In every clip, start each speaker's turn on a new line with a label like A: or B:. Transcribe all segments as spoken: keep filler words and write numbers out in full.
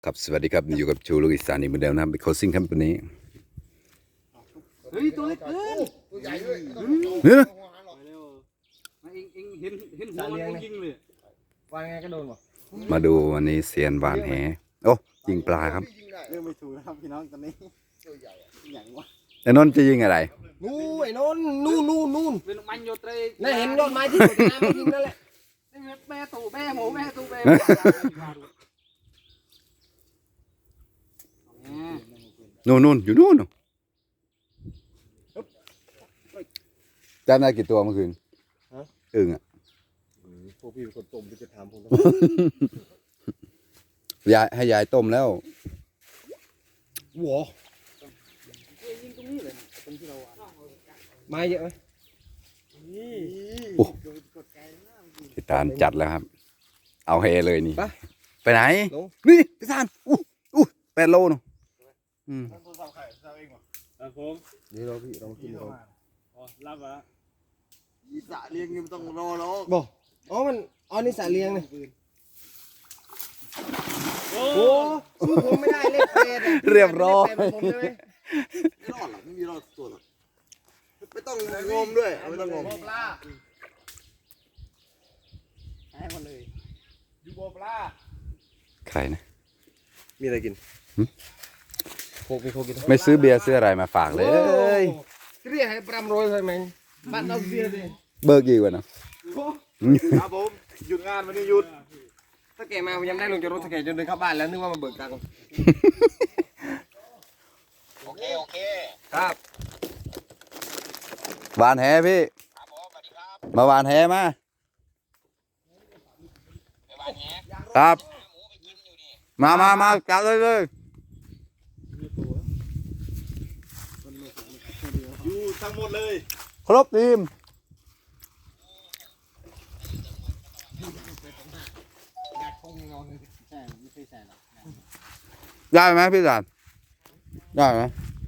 A: ครับสวัสดีครับอยู่กับชูลูกอีสานอีกเหมือนเดิมนะครับเป็นโคซิ่งครับวันนี้
B: เฮ้ยตัวเล็กเกินตัวใหญ่ด้วย
A: เฮ้ย
B: เองเองเห็นเห็นหัวมันยิงเลยว่าไงก็โดนหมด
A: มาดูวันนี้เซียนหวานแหโอ้ยิงปลาครับ
C: เรื่องไม่ถูกนะครับพี่น้องตอนนี้ตัวใหญ่อย่างวะ
A: ไอ้นนท์จะยิงอะไร
C: นู่นไอ้นนนู่นนู่นนู่น
B: เป็นมันโยเตร
C: นั่นเห็นยอดไม้ที่สุดน้ำยิงนั่นแหละ
B: แม่ตู่แม่หมูแม่ตู่แม่
A: นู่นนู่นอยู่นู่นจำได้กี่ตัวเมื่อคืนอึ่งอ่ะ
C: พวกพี่เป็นคนต้มพี่จะถามผม
A: ยายให้ยายต้มแล้ว
C: หัวไม้เยอะไหม
A: โอ้พี่ตาลจัดแล้วครับเอาเฮเลยนี่ไปไหนนี่พี่ตาลอู้อู้แปดโลเนาะอืม
C: ผมนี่เราพี่เรากินเรา
B: อ๋อรับอ่ะ
C: อีสะเลี้ยงยังต้องรอรอบอกอ๋อมันอ๋อนี่สะเลี้ยงเลยโอ้สู้ผมไม่ได้เล่นเป็ด
A: เรียบร้อย
C: ไม่รอดหรอกไม่มีรอดตัวหรอกไม่ต้องงมด้วยไม่ต้องงมปลาให้หมดเลยยูโบปลา
A: ใครนะ
C: มีอะไรกินโคกมีโคกิน
A: ไม่ซื้อเบียร์ซื้ออะไรมาฝากเลย
C: เรียกให้ปรำโรยเลยมั้งบ้านเราเบียร์ดิ
A: เบิกกี่วันเนาะ
C: ครับผมหยุดงานวันนี้หยุดถ้าแกมายังได้ลงจากรถถ้าแกจนเดินเข้าบ้านแล้วนึกว่ามาเบิกตังค์โอเคโอเคครับ
A: วานแหพี่มาหวานแหมาครับมามามาจัดเลยเลย
C: อยู่ทั้งหมดเลย
A: ครบทีมได้ไหมพี่จันได้ไหม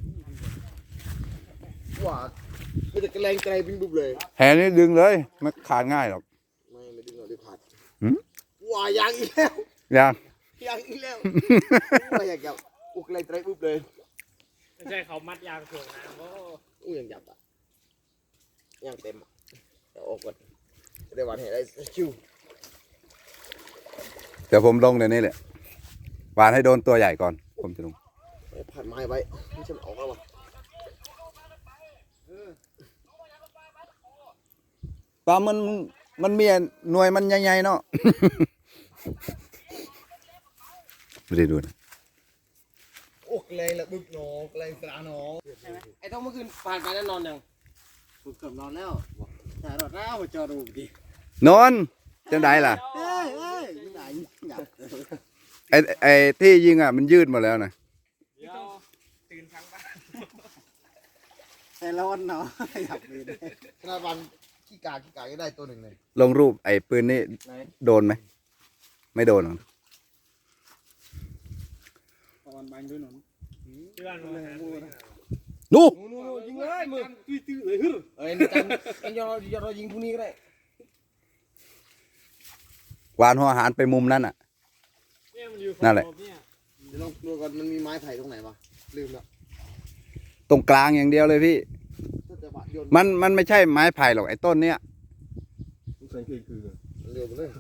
C: ว่าไม่แต่กระแรงไกลปิ้งบุ๊บเลย
A: แหนี่ดึงเลยไม่ขาดง่ายหรอก
C: ไม่ไม่ดึงหรอกเดี๋ยวขาดว่ายังอีกแล้ว
A: ยัง
C: ยังอีกแล้วไม่อยากจับอุกเลยไกลบุ๊บเลย
B: ไม่ใช่เขามัดยางถ่วงน้ำโอ้
C: อู้ยังจับอ่ะยังเต็มเดี๋ยวออกก่อนได้วันเห็นได้ชิว
A: เดี๋ยวผมลงในนี้แหละวานให้โดนตัวใหญ่ก่อนผมจะลง
C: ผ่านไม้ไว้ไม่ใช่ออกแล้ววะ
A: ปลามันมันมีหน่วยมันใหญ่ๆเนาะไม่ได้ดูนะ
C: โอ้เลยละบึกหนอเลยสระหนอไอ้ต้องเมื่อคืนผ่านไปแล้วนอนยังบึกเกือบนอนแล้วแต่รอดแล้วมาจอดูดิ
A: นอนจังไดล่ะ
C: เอ้ยเอ้ยไหน
A: ไอ้ไอ้ที่ยิงอ่ะมันยืดหมดแล้วนะ
B: ตื่นทั้งบ้าน
C: แต่ร้อนเนาะอยากมีขนาดวันขี้กาขี้กาก็ได้ตัวหนึ่งเลย
A: ลงรูปไอ้ปืนนี่โดนไหมไม่โดนหรอ
B: วันบานด้วยหนอนที่บ้าน
A: ดู
C: ยิงเลยมือตื้อตื้อเลยฮึเอ้ยนี่กันกันยอรอยิงพวกนี้ก็ได้
A: วานหัวหารไปมุมนั้นอ่ะนั่นแหละ
C: เดี๋ยวลองดูก่อนมันมีไม้ไผ่ตรงไหนวะลืมแล้ว
A: ตรงกลางอย่างเดียวเลยพี่มันมันไม่ใช่ไม้ไผ่หรอกไอ้ต้นเนี้ย
C: คือคือเร็วไปเลย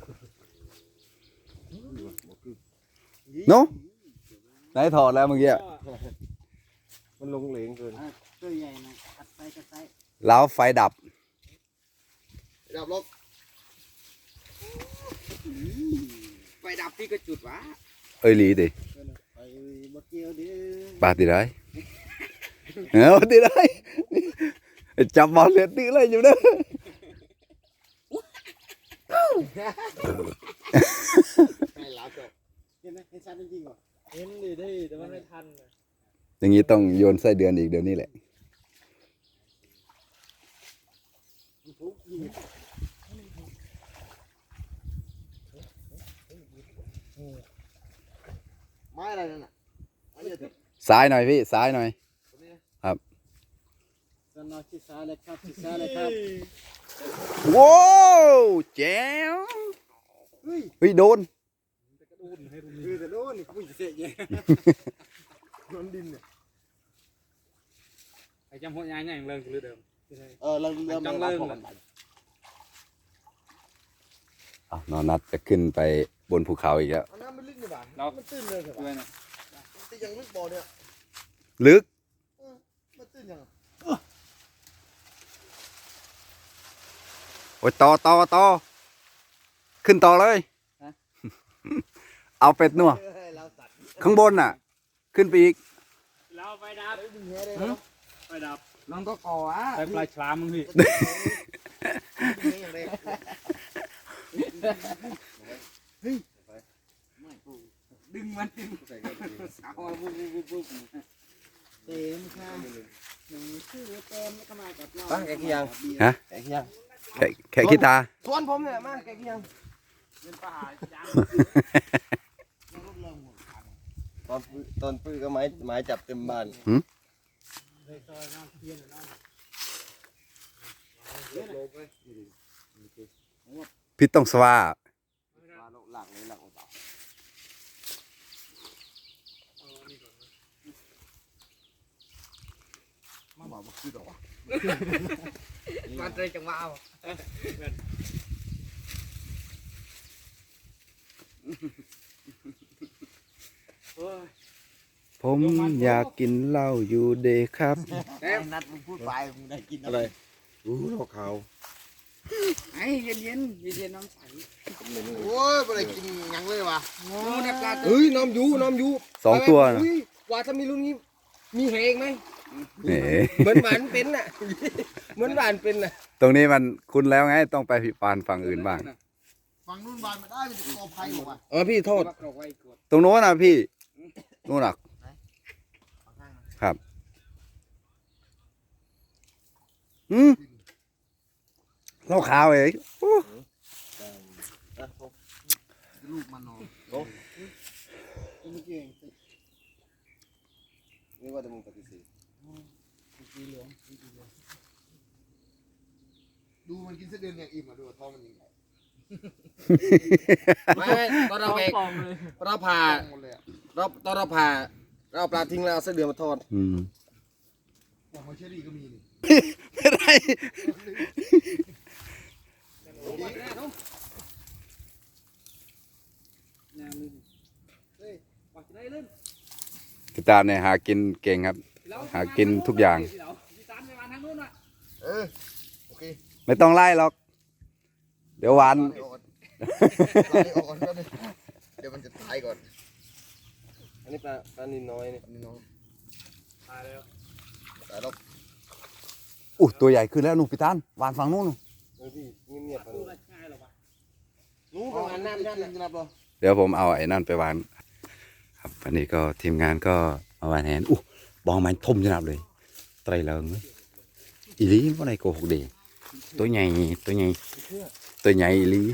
A: โน้ไหนถอดแล้วเมื่อกี้
C: มันลงเหลงเกิน
B: ตัวใหญ่นะกัดไปกัดไป
A: แล้วไฟดับ
C: ดับล็อกไฟดับพี่ก็จุดวะ
A: เอ้ยหลีดิปาติได้เออติได้จับบอลเลือดตีเลยอยู่เด้อ
C: ไม่รับจบเห็นไหมเห็นชัดจริงๆเหรอ
B: เห็นดิได้แต่ว่าไม่ทัน
A: อย่างนี้ต้องโยนไส้เดือนอีกเดี๋ยวนี้แหละ
C: ไม้อะไรนั่นน่ะ
A: ซ้ายหน่อยพี่ซ้ายหน่อยครับ
C: สนอชิซ้ายเลยครับชิซ้ายเลยครับ
A: ว้าวแจ๋วเฮ้ยโดน
B: อุ่นให้รุ่น
C: คือแต่โน่นนี่กูจะเสียเยอะนอนดินเนี่ย
B: ไอ้จำหัวใหญ่ใหญ่เรื่องคือเดิม
C: เออเราเริ่ม
B: จังเริ่ม
A: อ้าวนอนนัดจะขึ้นไปบนภูเขาอีกแล้ว
C: เอาน้ำมันลึกนี่บ้ามันตื้นเลยเหรอ
B: ด้วยนะ
C: แต่ยังลึกบ่อเนี่ย
A: ลึก
C: มันตื้นยัง
A: โอ้ยต่อต่อต่อขึ้นต่อเลย เอาเป็ดนัว
C: เราสัตว์
A: ข้างบนน่ะ ขึ้นไปอีก
B: เราไปดับ
C: ดึงแหได้
B: ไปดับ
C: น้องก็ก่ออ่ะ
B: ไปปลายฉลามมึงพี่ ดึงมันดึงเอาปุ๊บปุ๊บปุ๊บปุ๊บ
C: เต็มค่ะหนึ่งชื่อเต็มแล้วก็มากับเราแกกี่ยัง
A: ฮะ
C: แกกี่ยัง
A: แค่แค่ขี้ตา
C: ชวนผมเนี่ยมาแกกี่ยัง
B: เป็นปลาหายจาง
C: ตอนตอนปื้อก็ไม้ไม้จับเต็มบ้าน
B: เลยซอยน้ำเทียนน้ำ
A: พี่ต้องสว่า
C: หลักเลยหลักเบามาบอกมาคือดอกมาเตยจังหวะเอา
A: ผมอยากกินเหล้าอยู่เดย์ครับ
C: ไอ้นัดมึงพูดไปมึงได้กินอะไรรู้หรอกเขา
B: ไอ้เย็นเย็นเย็นเย็นน้ำใส
C: โอ้ยไม่ได้กินยังเลยวะเฮ้ยน้ำยูน้ำยู
A: สองตัวนะ
C: ว่าถ้ามีรุ่นนี้มีเหงไหม
A: เอ๋
C: เหมือนหวานเป็นน่ะเหมือนหวานเป็นน่ะ
A: ตรงนี้มันคุ้นแล้วไงต้องไปผิปานฝั่งอื่นบ้าง
C: ฝั่งนู้นหวานมาได้มันจะกอไผ่หรอวะเออพี่โทษ
A: ตรงโน้นนะพี่โน่นน่ะครับอืมเหล้าขาวเองโอ้
C: ลูกมันนอนโอ้ไม่เก่งนี่ว่าจะมึงปฏิเสธดูมันกินเส้นเดือนอย่างอิ่มอ่ะดูท้องมันยังไงไม่ตอนเราไปเราผ่าเราตอนเราผ่าเราปลาทิ้งแล้วเอาเส้นเดือนมาทอด
A: อืม
C: หอยเชอรี่ก็มีนี่
A: ไม่ได้พี่ตาเนี่ยหากินเก่งครับ หากินทุกอย่าง
C: เออโอเค
A: ไม่ต้องไล่หรอก เดี๋ยวหวาน
C: ไล่ออกก่อนเดี๋ยวมันจะตายก่อนอันนี้ปลาปลานินน้อยนี่นินน้อย
B: ตายแล้ว
C: ตายแล้ว
A: อุ้ยตัวใหญ่ขึ้นแล้วนู่นพี่ตานหวานฝั่งนู้นนู่น
C: เออพี่เงียบๆไป
B: พูดง่ายหรอวะ
C: นู้นประมาณนั้นนั่นนะครับเรา
A: เดี๋ยวผมเอาไอ้นั่นไปวานครับวันนี้ก็ทีมงานก็มาวานแหนอู้บองมันทุ่มขนาดเลยไตรเลิงเลยอีลีว่าไหนโกหกดีตัวใหญ่ตัวใหญ่ตัวใหญ่อีลี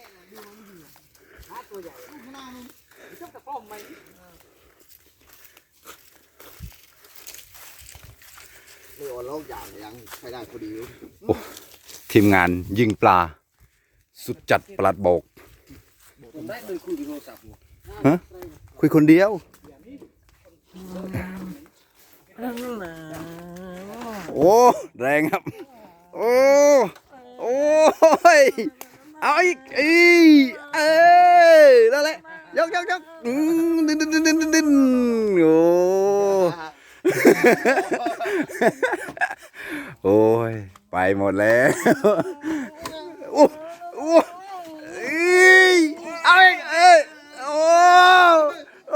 C: ไม่อ่อนแล้วอย่างยังใช้ได้พอดี
A: ทีมงานยิงปลา สุดจัดปลัดโบก
C: ผมได้เลยคุยโทรศัพท์
A: ฮะคุยคนเดียว โอ้แรงครับ โอ้โอ้ยเอาอีกอีเอ้ยนั่นแหละยกยกยกอืมดินดินดินดินดินดินโอ้โอ้ยไปหมดแล้วโอ้โอ้ยเอาอีกเอ้ยโอ้โอ้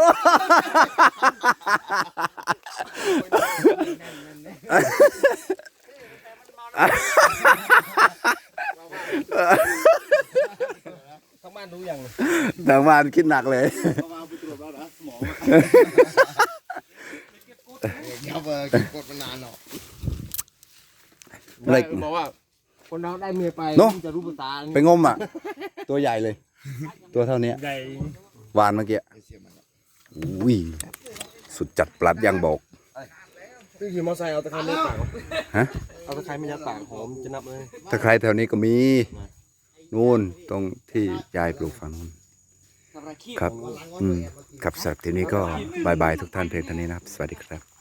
C: ทั้งบ้านรู้ยัง
A: ทางบ้านคิดหนักเลย
C: มาไปตรวจแล้วนะสมองเดี๋ยวเบอร์กดมานานหรอก
A: อะไร
C: บอกว่าคนเราได้เมียไป
A: เนอะ
C: จะรู้ภาษา
A: ไปงมอ่ะ ตัวใหญ่เลย ตัวเท่านี้
B: ใหญ่
A: วานเมื่อกี้อุ้ยสุดจัดปลัดยังบอก
C: พี่ขี่มอเตอร์ไซค์เอาตะไคร้ไม่ยัดปาก
A: ฮะ
C: เอาตะไคร้ไม่ยัดปากหอมจะนับเลย
A: ถ้าใครแถวนี้ก็มี นู่นตรงที่ยายปลูกฝั่งนู้น
C: ถ้าไประขี้
A: ครับ
C: ของ
A: อืมครับสำหรับทีนี้ก็บายบายทุกท่านเพียงเท่านี้นะครับ สวัสดีครับ